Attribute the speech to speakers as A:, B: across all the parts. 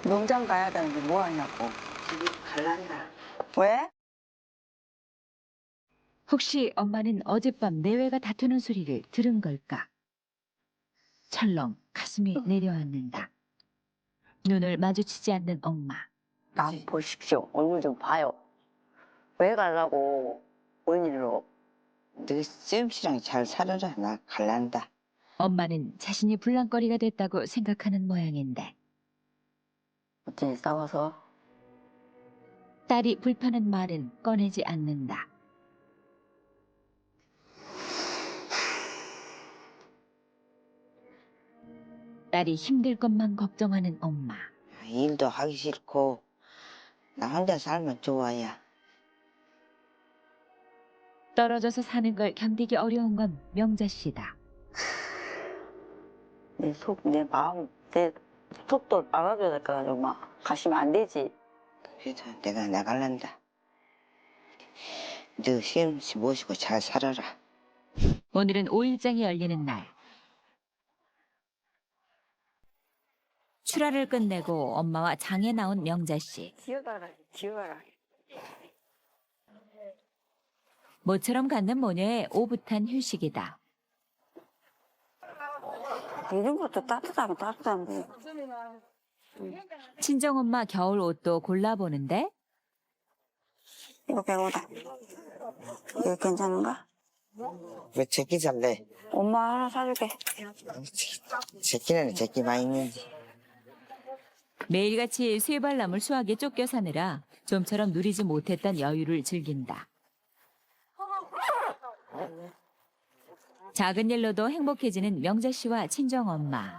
A: 농장 가야 되는데 뭐 하냐고.
B: 집이 갈란다.
A: 왜?
C: 혹시 엄마는 어젯밤 내외가 다투는 소리를 들은 걸까? 철렁 가슴이 내려앉는다. 눈을 마주치지 않는 엄마.
A: 나 보십시오. 얼굴 좀 봐요. 왜 가려고 뭔 일로.
B: 너 쌤씨랑 잘 살아라. 나 갈란다.
C: 엄마는 자신이 불랑거리가 됐다고 생각하는 모양인데
A: 어째 싸워서?
C: 딸이 불편한 말은 꺼내지 않는다. 딸이 힘들 것만 걱정하는 엄마.
B: 일도 하기 싫고 나 혼자 살면 좋아야.
C: 떨어져서 사는 걸 견디기 어려운 건 명자 씨다.
A: 내 속, 내 마음, 내 속도 알아줘야 될 거 가지고 막 가시면 안 되지.
B: 그래서 내가 나갈란다. 너 쌤씨 모시고 잘 살아라.
C: 오늘은 5일장이 열리는 날. 출하를 끝내고 엄마와 장에 나온 명자 씨.
A: 기어가라, 기어가라.
C: 모처럼 갖는 모녀의 오붓한 휴식이다.
A: 이런 것도 따뜻하면 따뜻한데.
C: 친정엄마 겨울 옷도 골라보는데
A: 이거 100원이다. 이거 괜찮은가?
B: 왜 제끼 살래?
A: 엄마 하나 사줄게.
B: 제끼는 제끼 많이 있는지.
C: 매일같이 쇠발람을 수하게 쫓겨 사느라 좀처럼 누리지 못했던 여유를 즐긴다. 작은 일로도 행복해지는 명자 씨와 친정엄마.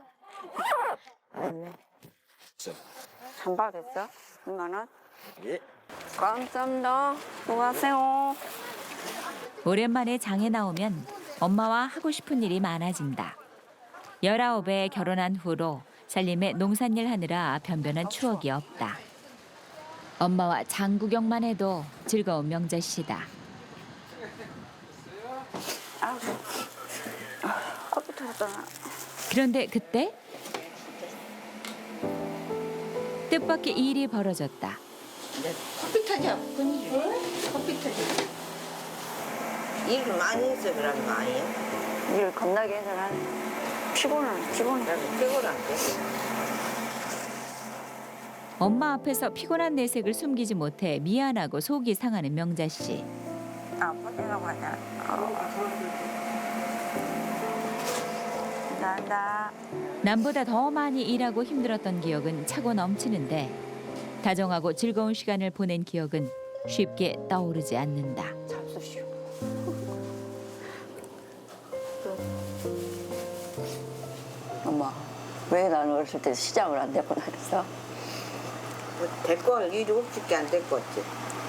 A: 잔발 됐어? 2만 원?
B: 예.
A: 감사합니다. 수고하세요.
C: 오랜만에 장에 나오면 엄마와 하고 싶은 일이 많아진다. 19에 결혼한 후로 살림에 농산일 하느라 변변한 추억이 없다. 엄마와 장 구경만 해도 즐거운 명자 씨다.
A: 아우, 커피 터졌잖아.
C: 그런데 그때 뜻밖의 일이 벌어졌다.
B: 커피 타자. 커피 타자. 일을 많이 해서 그런 거 아니야?
A: 일 겁나게 해서 난 피곤해.
B: 나도 피곤한데.
C: 엄마 앞에서 피곤한 내색을 숨기지 못해 미안하고 속이 상하는 명자 씨.
A: 아파트라고 하자. 감사합니다.
C: 남보다 더 많이 일하고 힘들었던 기억은 차고 넘치는데 다정하고 즐거운 시간을 보낸 기억은 쉽게 떠오르지 않는다.
A: 잡수시오. 엄마, 왜 나는 어렸을 때 시장을 안 데리고 다녔어?
B: 뭐 데리고 갈 일이 없을게 안 데리고 왔지.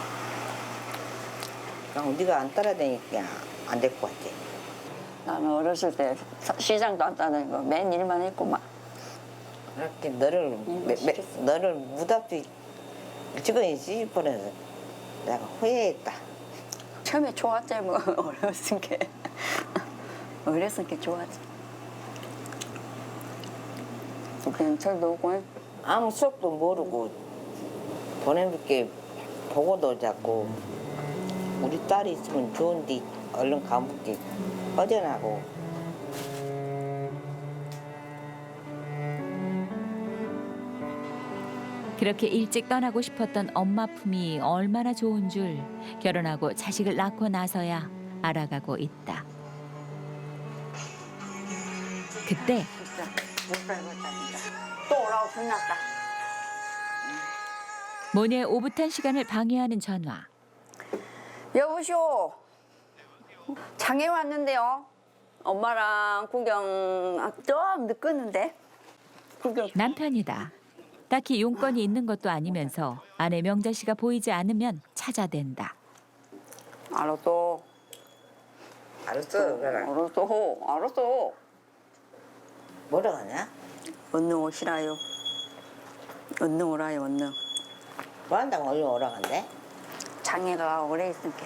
B: 그냥 네가 안 따라다니니까 안 데리고 왔지.
A: 나는 어렸을 때 시장도 안 다니고 맨 일만 했구만.
B: 그렇게 너를 무답지 찍어야지 보내서 내가 후회했다.
A: 처음에 좋았지 뭐 어렸을 게. 어렸을 게 좋았지. 근처도 오고
B: 아무 수업도 모르고 보내볼게 보고도 자꾸 우리 딸이 있으면 좋은데 얼른 가볼게 허전하고.
C: 그렇게 일찍 떠나고 싶었던 엄마 품이 얼마나 좋은 줄 결혼하고 자식을 낳고 나서야 알아가고 있다. 그때
A: 진짜 못 살겠다 진짜. 또 오라고 불났다.
C: 모녀의 오붓한 시간을 방해하는 전화.
A: 여보시오. 장에 왔는데요. 엄마랑 구경 좀 늦었는데. 구경.
C: 남편이다. 딱히 용건이 있는 것도 아니면서 아내 명자 씨가 보이지 않으면 찾아댄다.
A: 알았어.
B: 알았어. 그래.
A: 알았어.
B: 뭐라 하냐?
A: 얼른 오시라요. 얼른 오라요, 얼른.
B: 뭐 한다고 얼른 오라 간대?
A: 장애가 오래 있을게.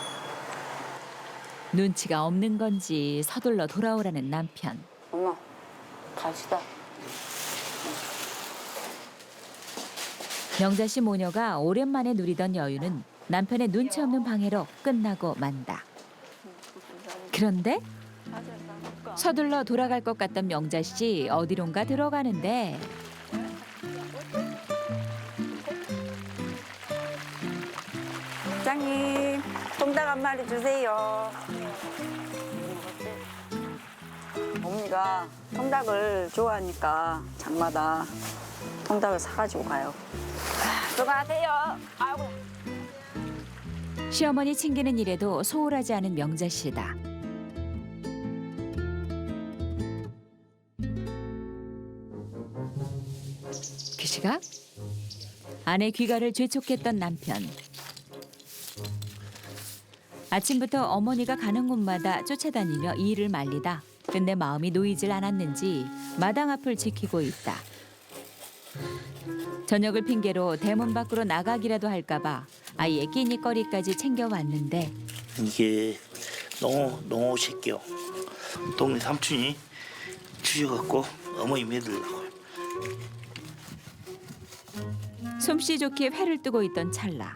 C: 눈치가 없는 건지 서둘러 돌아오라는 남편.
A: 엄마, 갑시다.
C: 명자 씨 모녀가 오랜만에 누리던 여유는 남편의 눈치 없는 방해로 끝나고 만다. 그런데 서둘러 돌아갈 것 같던 명자 씨 어디론가 들어가는데
A: 사장님, 통닭 한 마리 주세요. 어머니가 통닭을 좋아하니까 장마다 통닭을 사가지고 가요. 수고하세요. 아이고.
C: 시어머니 챙기는 일에도 소홀하지 않은 명자 씨다. 그 시각 아내 귀가를 재촉했던 남편. 아침부터 어머니가 가는 곳마다 쫓아다니며 일을 말리다 끝내 마음이 놓이질 않았는지 마당 앞을 지키고 있다. 저녁을 핑계로 대문 밖으로 나가기라도 할까봐 아이의 끼니거리까지 챙겨왔는데
D: 이게 농어 새끼요. 동네 삼촌이 주셔갖고 어머니 먹이려고요.
C: 솜씨 좋게 회를 뜨고 있던 찰나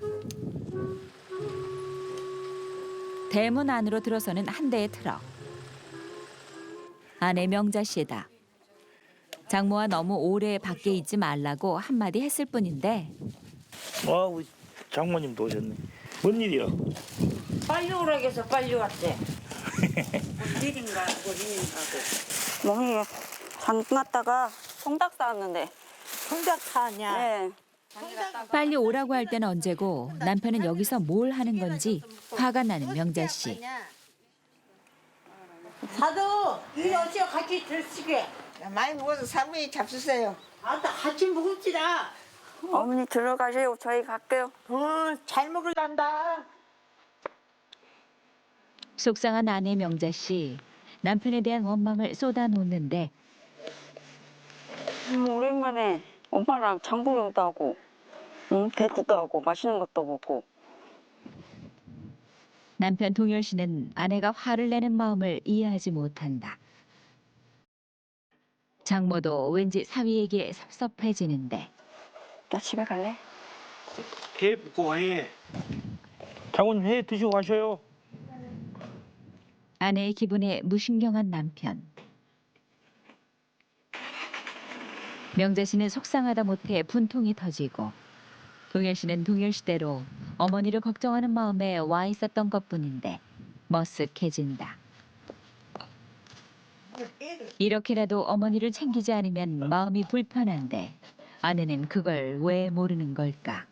C: 대문 안으로 들어서는 한 대의 트럭. 아내 명자 씨다. 장모와 너무 오래 밖에 있지 말라고 한마디 했을 뿐인데
D: 와, 우리 장모님도 오셨네. 뭔 일이야?
B: 빨리 오라고 해서 빨리 왔대. 일인가 고린인가고.
A: 어머니, 장 갔다가 통닭 사왔는데.
B: 통닭 사냐?
A: 네.
C: 빨리 오라고 할 때는 언제고 남편은 여기서 뭘 하는 건지 화가 나는 명자 씨.
E: 사도 이리 오시오 같이 드시게.
B: 많이 먹어서 사모님 잡수세요.
E: 아따 같이 먹읍시다.
A: 어머니 들어가세요. 저희 갈게요.
E: 잘 먹을란다.
C: 속상한 아내 명자 씨. 남편에 대한 원망을 쏟아놓는데
A: 오랜만에 엄마랑 장보경도 하고, 배구도 하고, 맛있는 것도 먹고.
C: 남편 동열 씨는 아내가 화를 내는 마음을 이해하지 못한다. 장모도 왠지 사위에게 섭섭해지는데
A: 나 집에 갈래?
D: 회 붓고 해. 장모님 회 드시고 가셔요.
C: 아내의 기분에 무신경한 남편. 명자 씨는 속상하다 못해 분통이 터지고 동열 씨는 동열 씨대로 어머니를 걱정하는 마음에 와 있었던 것뿐인데 머쓱해진다. 이렇게라도 어머니를 챙기지 않으면 마음이 불편한데 아내는 그걸 왜 모르는 걸까?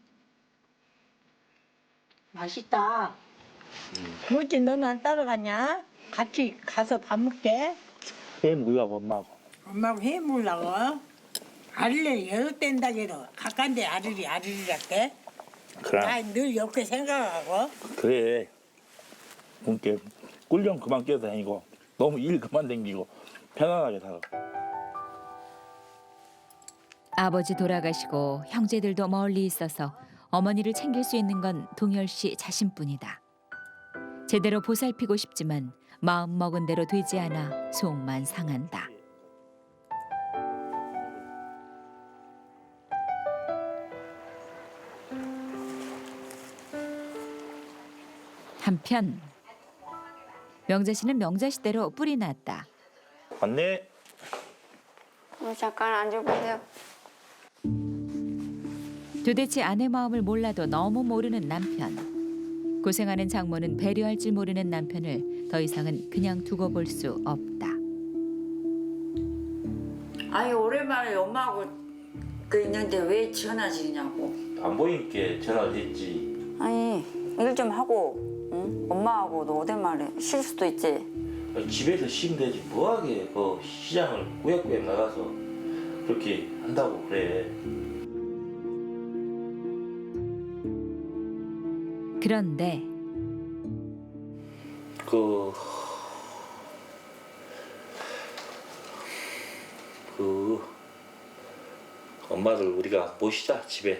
E: 맛있다. 뭐지 너는 안 따라가냐? 같이 가서 밥 먹게.
D: 회 먹으려고 엄마하고.
E: 엄마하고 해 먹으려고. 아리를 여섯 댄다기로 가까운데 아리리랄게.
D: 그래.
E: 나늘 옆에 생각하고.
D: 그래. 그러니까 꿀좀 그만 끼어다니고 너무 일 그만 댕기고 편안하게 살아.
C: 아버지 돌아가시고 형제들도 멀리 있어서 어머니를 챙길 수 있는 건 동열 씨 자신뿐이다. 제대로 보살피고 싶지만 마음 먹은 대로 되지 않아 속만 상한다. 한편 명자 씨는 명자 씨대로 뿔이 났다.
D: 맞네.
A: 잠깐 앉아보세요.
C: 도대체 아내 마음을 몰라도 너무 모르는 남편. 고생하는 장모는 배려할 줄 모르는 남편을 더 이상은 그냥 두고 볼 수 없다.
A: 아니, 오랜만에 엄마하고 있는데 왜 전화지냐고.
D: 안 보이니까 전화를 했지.
A: 아니, 일 좀 하고, 응? 엄마하고도 오랜만에 쉴 수도 있지.
D: 집에서 쉬면 되지. 뭐하게 그 시장을 꾸역꾸역 나가서 그렇게 한다고 그래.
C: 그런데
D: 엄마를 우리가 모시자 집에.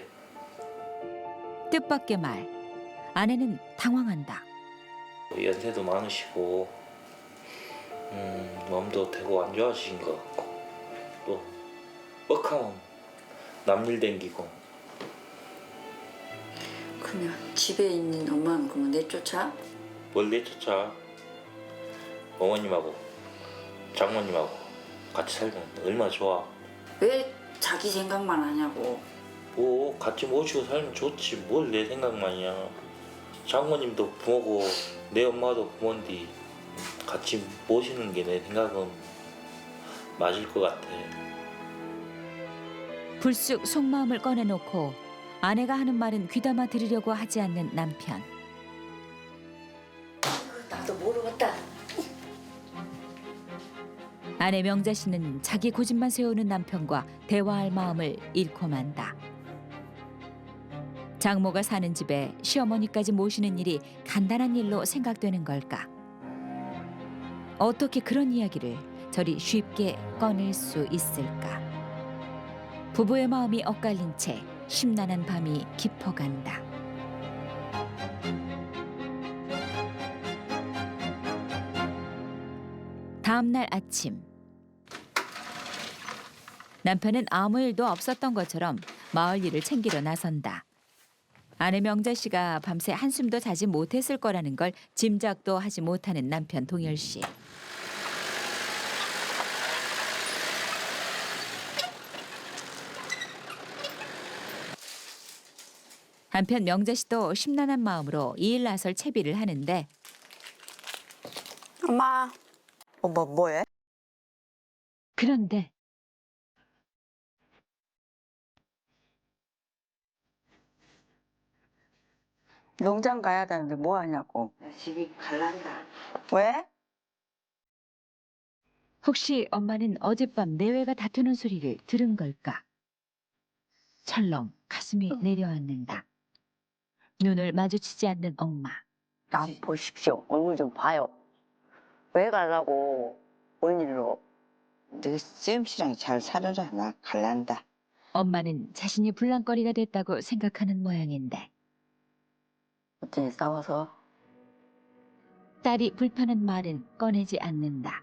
C: 뜻밖의 말. 아내는 당황한다.
D: 연세도 많으시고 몸도 되고 안 좋아지신 것 같고 또 뻑하면 남일 댕기고
F: 그냥 집에 있는 엄마는 그러면 내쫓아?
D: 뭘 내쫓아. 어머님하고 장모님하고 같이 살면 얼마나 좋아.
F: 왜 자기 생각만 하냐고.
D: 뭐 같이 모시고 살면 좋지. 뭘 내 생각만이야. 장모님도 부모고 내 엄마도 부모인데 같이 모시는 게 내 생각은 맞을 것 같아.
C: 불쑥 속마음을 꺼내놓고 아내가 하는 말은 귀담아 들으려고 하지 않는 남편.
F: 나도 모르겠다.
C: 아내 명자 씨는 자기 고집만 세우는 남편과 대화할 마음을 잃고 만다. 장모가 사는 집에 시어머니까지 모시는 일이 간단한 일로 생각되는 걸까? 어떻게 그런 이야기를 저리 쉽게 꺼낼 수 있을까? 부부의 마음이 엇갈린 채 심란한 밤이 깊어간다. 다음 날 아침, 남편은 아무 일도 없었던 것처럼 마을 일을 챙기려 나선다. 아내 명자 씨가 밤새 한숨도 자지 못했을 거라는 걸 짐작도 하지 못하는 남편 동열 씨. 한편 명자 씨도 심란한 마음으로 이 일 나설 채비를 하는데
A: 엄마. 뭐해?
C: 그런데
A: 농장 가야 되는데 뭐 하냐고.
B: 집이 갈란다.
A: 왜?
C: 혹시 엄마는 어젯밤 내외가 다투는 소리를 들은 걸까? 철렁 가슴이 내려앉는다. 눈을 마주치지 않는 엄마.
A: 나 보십시오. 얼굴 좀 봐요. 왜 가려고 뭔 일로.
B: 너 쌤씨랑 잘 살아라. 나 갈란다.
C: 엄마는 자신이 불랑거리가 됐다고 생각하는 모양인데
A: 어째 싸워서.
C: 딸이 불편한 말은 꺼내지 않는다.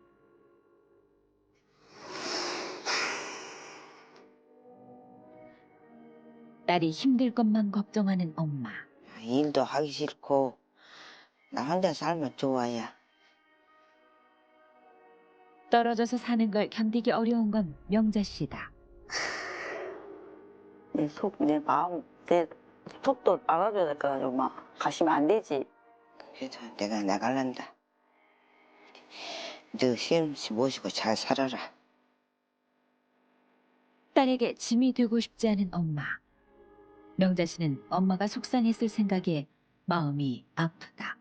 C: 딸이 힘들 것만 걱정하는 엄마.
B: 일도 하기 싫고 나 혼자 살면 좋아야.
C: 떨어져서 사는 걸 견디기 어려운 건 명자 씨다.
A: 내 속, 내 마음, 내 속도 알아줘야 될 거야, 엄마. 가시면 안 되지.
B: 그래도 내가 나갈란다. 너 쌤씨 모시고 잘 살아라.
C: 딸에게 짐이 되고 싶지 않은 엄마. 명자 씨는 엄마가 속상했을 생각에 마음이 아프다.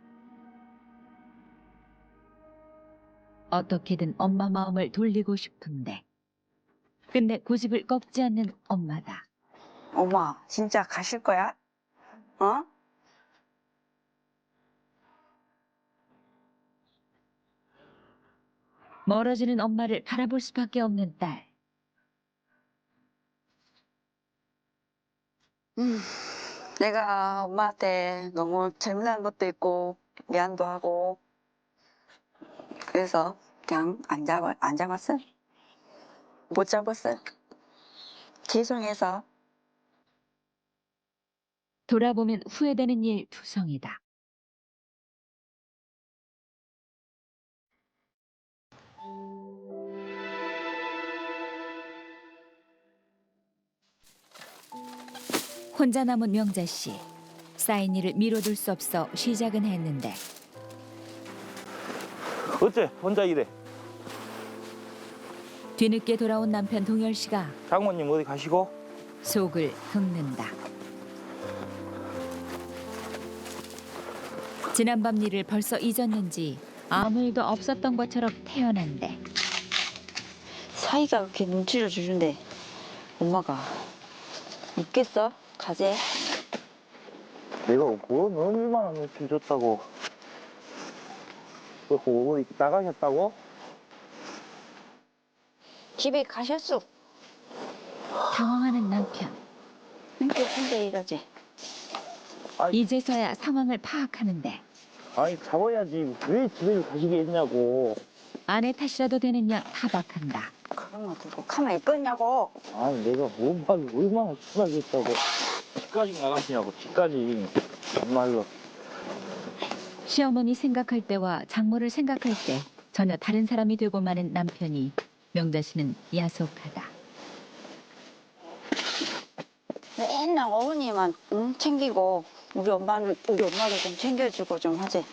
C: 어떻게든 엄마 마음을 돌리고 싶은데 근데 고집을 꺾지 않는 엄마다.
A: 엄마, 진짜 가실 거야? 어?
C: 멀어지는 엄마를 바라볼 수밖에 없는 딸.
A: 내가 엄마한테 너무 잘못한 것도 있고 미안도 하고 그래서 그냥 안 잡았어. 못 잡았어. 죄송해서.
C: 돌아보면 후회되는 일 투성이다. 혼자 남은 명자 씨. 쌓인 일을 미뤄둘 수 없어 시작은 했는데
D: 어째 혼자 일해?
C: 뒤늦게 돌아온 남편 동열 씨가
D: 장모님 어디 가시고?
C: 속을 긁는다. 지난밤 일을 벌써 잊었는지 아무 일도 없었던 것처럼 태어난데
A: 사이가 그렇게 눈치를 주는데 엄마가 있겠어? 가재.
D: 내가 뭐 얼마나 눈치 줬다고. 어디 나가셨다고?
A: 집에 가셨어.
C: 당황하는 남편.
A: 혼자 일하지.
C: 이제서야 상황을 파악하는데
D: 아니 잡아야지. 왜 집에 가시게 했냐고.
C: 아내 탓이라도 되는 양 타박한다.
A: 그런 거 두고 가만히 있겠냐고.
D: 아니 내가 뭔 말을 얼마나 심하게 했다고. 집까지 나가시냐고, 집까지. 정말로.
C: 시어머니 생각할 때와 장모를 생각할 때 전혀 다른 사람이 되고 마는 남편이 명자 씨는 야속하다.
B: 맨날 어머니만 챙기고 우리 엄마도 좀 챙겨주고 좀 하지.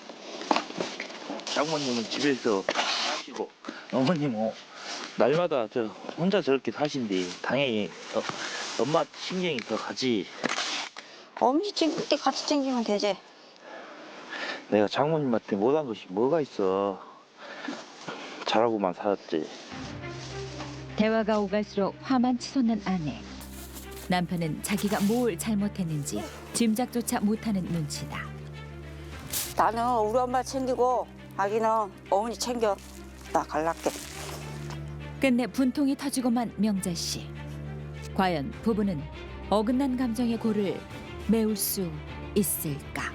D: 장모님은 집에서 하시고, 어머님은 날마다 저 혼자 저렇게 사신디, 당연히 엄마 신경이 더 가지.
B: 어머니 챙길 때 같이 챙기면 되지.
D: 내가 장모님한테 못한 것이 뭐가 있어. 잘하고만 살았지.
C: 대화가 오갈수록 화만 치솟는 아내. 남편은 자기가 뭘 잘못했는지 짐작조차 못하는 눈치다.
B: 나는 우리 엄마 챙기고 아기는 어머니 챙겨. 나 갈랄게.
C: 끝내 분통이 터지고만 명자 씨. 과연 부부는 어긋난 감정의 골을 메울 수 있을까?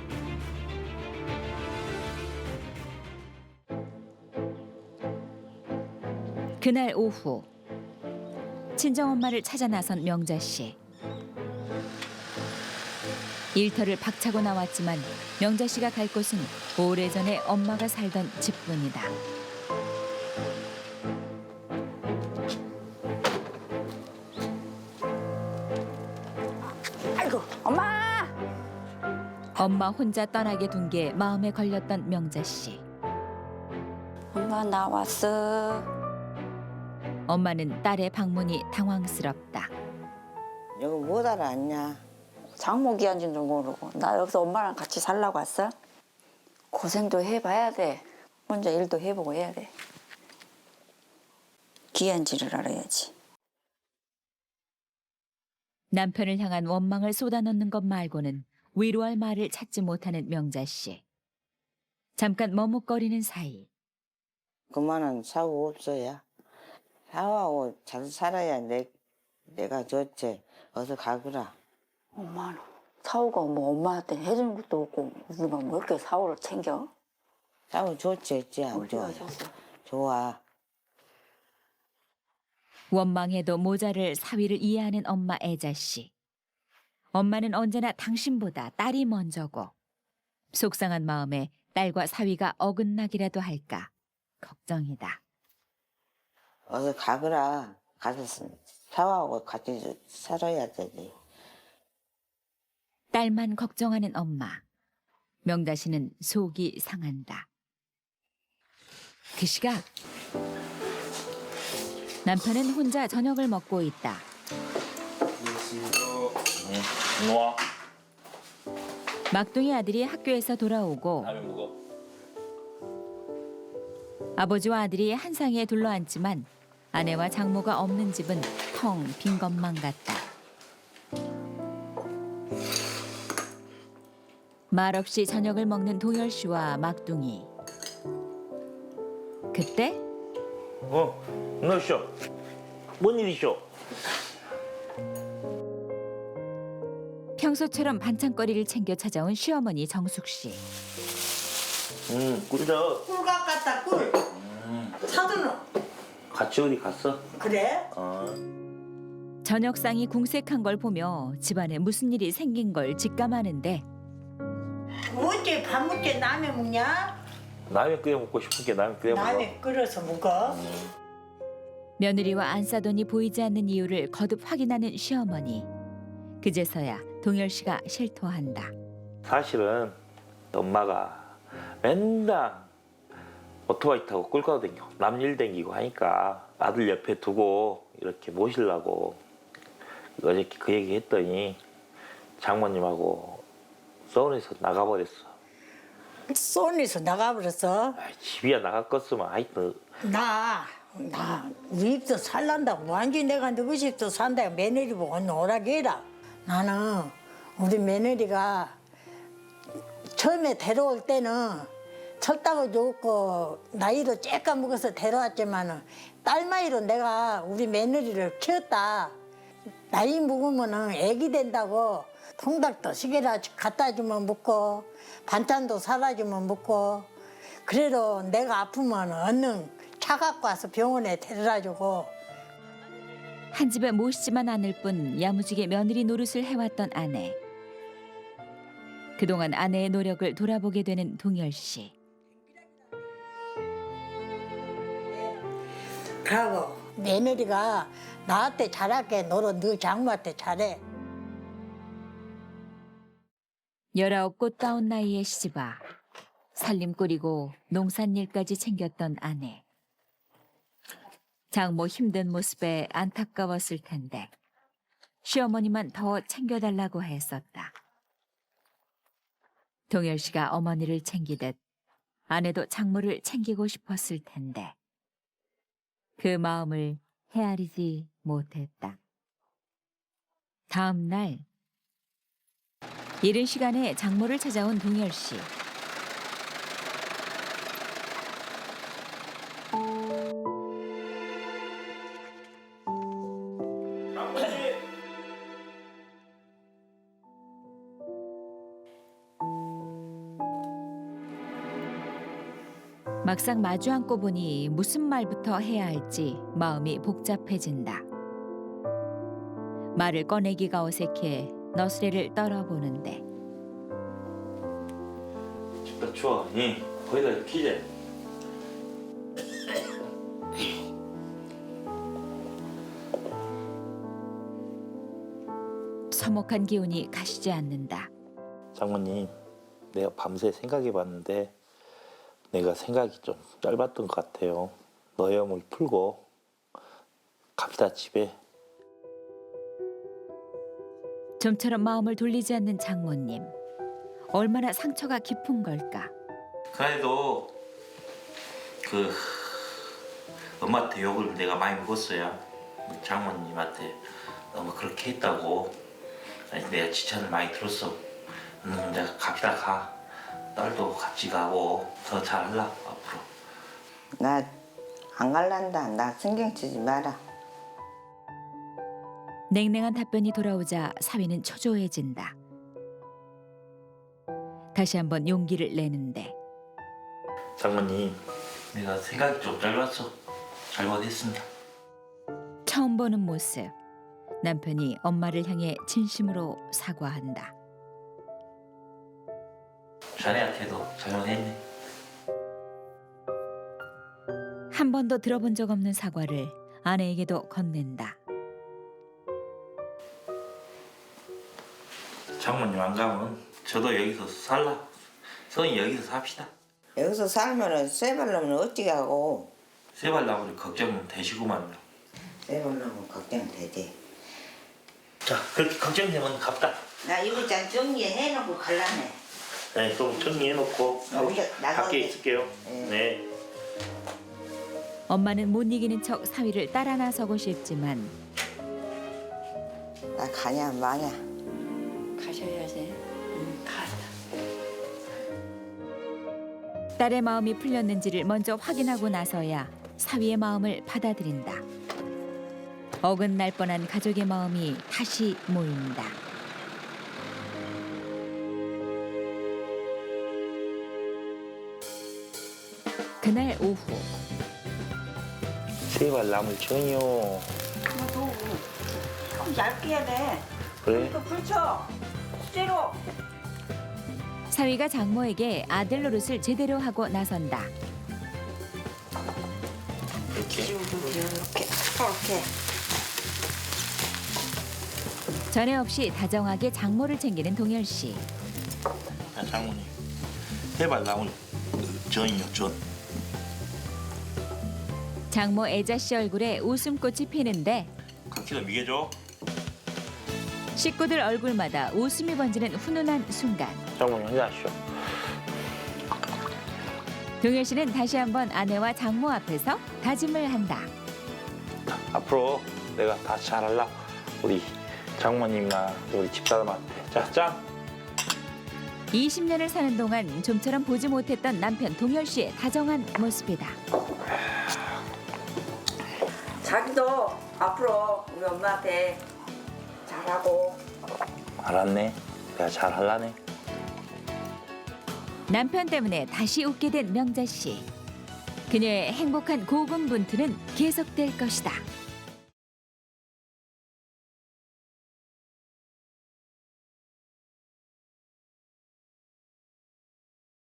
C: 그날 오후 친정엄마를 찾아 나선 명자 씨. 일터를 박차고 나왔지만 명자 씨가 갈 곳은 오래전에 엄마가 살던 집뿐이다.
B: 아이고 엄마.
C: 엄마 혼자 떠나게 둔 게 마음에 걸렸던 명자 씨.
B: 엄마 나 왔어.
C: 엄마는 딸의 방문이 당황스럽다.
B: 여기 못 알아왔냐? 장모 귀한지도 모르고 나 여기서 엄마랑 같이 살라고 왔어? 고생도 해봐야 돼. 혼자 일도 해보고 해야 돼. 귀한지를 알아야지.
C: 남편을 향한 원망을 쏟아넣는 것 말고는 위로할 말을 찾지 못하는 명자 씨. 잠깐 머뭇거리는 사이
B: 그만한 사고 없어야. 사고하고 잘 살아야 내가 좋지. 어서 가거라. 엄마는 사고가 뭐 엄마한테 해준 것도 없고 우리가 뭐 이렇게 사고를 챙겨? 사고 좋지 했지 안 좋아? 좋아.
C: 원망해도 모자를 사위를 이해하는 엄마 애자 씨. 엄마는 언제나 당신보다 딸이 먼저고 속상한 마음에 딸과 사위가 어긋나기라도 할까 걱정이다.
B: 어서 가거라. 가서 사고하고 같이 살아야 되지.
C: 딸만 걱정하는 엄마. 명다 씨는 속이 상한다. 그 시각 남편은 혼자 저녁을 먹고 있다.
D: 와.
C: 막둥이 아들이 학교에서 돌아오고
D: 다음에 먹어.
C: 아버지와 아들이 한 상에 둘러앉지만 아내와 장모가 없는 집은 텅 빈 것만 같다. 말없이 저녁을 먹는 동열 씨와 막둥이. 그때
D: 너 쇼. 뭔 일이쇼?
C: 평소처럼 반찬거리를 챙겨 찾아온 시어머니 정숙 씨.
D: 꿀져.
E: 꿀 갖갔다 꿀. 사드는
D: 같이 어디 갔어?
E: 그래?
C: 저녁상이 궁색한 걸 보며 집안에 무슨 일이 생긴 걸 직감하는데
E: 어째 밥 먹게 라면 먹냐?
D: 라면 끓여 먹고 싶은 게 라면 끓여 먹어.
E: 라면 끓여서 먹어.
C: 며느리와 안 싸돈이 보이지 않는 이유를 거듭 확인하는 시어머니. 그제서야 동열 씨가 실토한다.
D: 사실은 엄마가 맨날 오토바이 타고 꿀가도 댕기고 남일 댕기고 하니까 아들 옆에 두고 이렇게 모시려고 어저께 그 얘기 했더니 장모님하고 서울에서 나가버렸어.
E: 쏜에서 나가버렸어.
D: 집이야 나갔겠으면 하여튼
E: 나 우리 집도 살란다고 완전히 내가 누구 집도 산다고 며느리 보고 오라게 해라. 나는 우리 며느리가 처음에 데려올 때는 철다고 좋고 나이도 쬐까 먹어서 데려왔지만은 딸마이로 내가 우리 며느리를 키웠다. 나이 먹으면은 애기 된다고 통닭도 시계라 갖다 주면 먹고 반찬도 사다 주면 먹고 그래도 내가 아프면 얼른 차 갖고 와서 병원에 데려다 주고.
C: 한 집에 모시지만 않을 뿐 야무지게 며느리 노릇을 해왔던 아내. 그동안 아내의 노력을 돌아보게 되는 동열 씨.
E: 그러고 며느리가 나한테 잘할게. 너는 너 장모한테 잘해.
C: 19 꽃다운 나이의 시집아 살림 꾸리고 농산일까지 챙겼던 아내. 장모 힘든 모습에 안타까웠을 텐데 시어머니만 더 챙겨달라고 했었다. 동열 씨가 어머니를 챙기듯 아내도 장모를 챙기고 싶었을 텐데 그 마음을 헤아리지 못했다. 다음 날 이른 시간에 장모를 찾아온 동열 씨. 막상 마주 앉고 보니 무슨 말부터 해야 할지 마음이 복잡해진다. 말을 꺼내기가 어색해 너스레를 떨어보는데
D: 집도 추워. 응. 거기다 키재.
C: 서먹한 기운이 가시지 않는다.
D: 장모님, 내가 밤새 생각해봤는데 내가 생각이 좀 짧았던 것 같아요. 너염을 풀고 갑시다 집에.
C: 좀처럼 마음을 돌리지 않는 장모님. 얼마나 상처가 깊은 걸까.
D: 그래도 그 엄마한테 욕을 내가 많이 먹었어요. 장모님한테 너무 그렇게 했다고. 아니, 내가 지천을 많이 들었어. 내가 갑시다 가. 딸도 같이 가고 더 잘하려고 앞으로.
B: 나 안 갈란다. 나 신경 쓰지 마라.
C: 냉랭한 답변이 돌아오자 사위는 초조해진다. 다시 한번 용기를 내는데
D: 장모님, 내가 생각이 좀 짧았어. 잘못했습니다.
C: 처음 보는 모습. 남편이 엄마를 향해 진심으로 사과한다.
D: 자네한테도 잘못했네.
C: 한 번도 들어본 적 없는 사과를 아내에게도 건넨다.
D: 장모님 안 가면 저도 여기서 살라. 성이 여기서 삽시다.
B: 여기서 살면은 쇠발놈은 어찌 하고.
D: 세발나무를 걱정은 되시구만요.
B: 쇠발놈은 걱정되지.
D: 자, 그렇게 걱정되면 갑다.
B: 나 이거 잘 정리해놓고 갈라네.
D: 네, 그럼 정리해놓고
B: 우리가 나가게.
D: 밖에 있을게요.
B: 네.
D: 네.
C: 엄마는 못 이기는 척 사위를 따라 나서고 싶지만
B: 나 가냐 마냐.
F: 가셔야지. 가자.
C: 딸의 마음이 풀렸는지를 먼저 확인하고 나서야 사위의 마음을 받아들인다. 어긋날 뻔한 가족의 마음이 다시 모인다. 그날 오후
D: 세발나물 전이요.
F: 좀 얇게 해야 돼.
D: 그래?
F: 또 불쳐. 쇠로.
C: 사위가 장모에게 아들 노릇을 제대로 하고 나선다.
D: 이렇게.
F: 이렇게.
C: 전에 없이 다정하게 장모를 챙기는 동열 씨.
D: 자, 장모님. 세발나물 전이요, 전.
C: 장모 애자 씨 얼굴에 웃음꽃이 피는데
D: 각기도 미개죠?
C: 식구들 얼굴마다 웃음이 번지는 훈훈한 순간.
D: 장모님 한잔하시오.
C: 동열 씨는 다시 한번 아내와 장모 앞에서 다짐을 한다.
D: 앞으로 내가 다 잘할라. 우리 장모님이나 우리 집사람한테. 자, 짠!
C: 20년을 사는 동안 좀처럼 보지 못했던 남편 동열 씨의 다정한 모습이다.
F: 자기도 앞으로 우리 엄마한테 잘하고.
D: 알았네. 내가 잘할라네.
C: 남편 때문에 다시 웃게 된 명자 씨. 그녀의 행복한 고군분투는 계속될 것이다.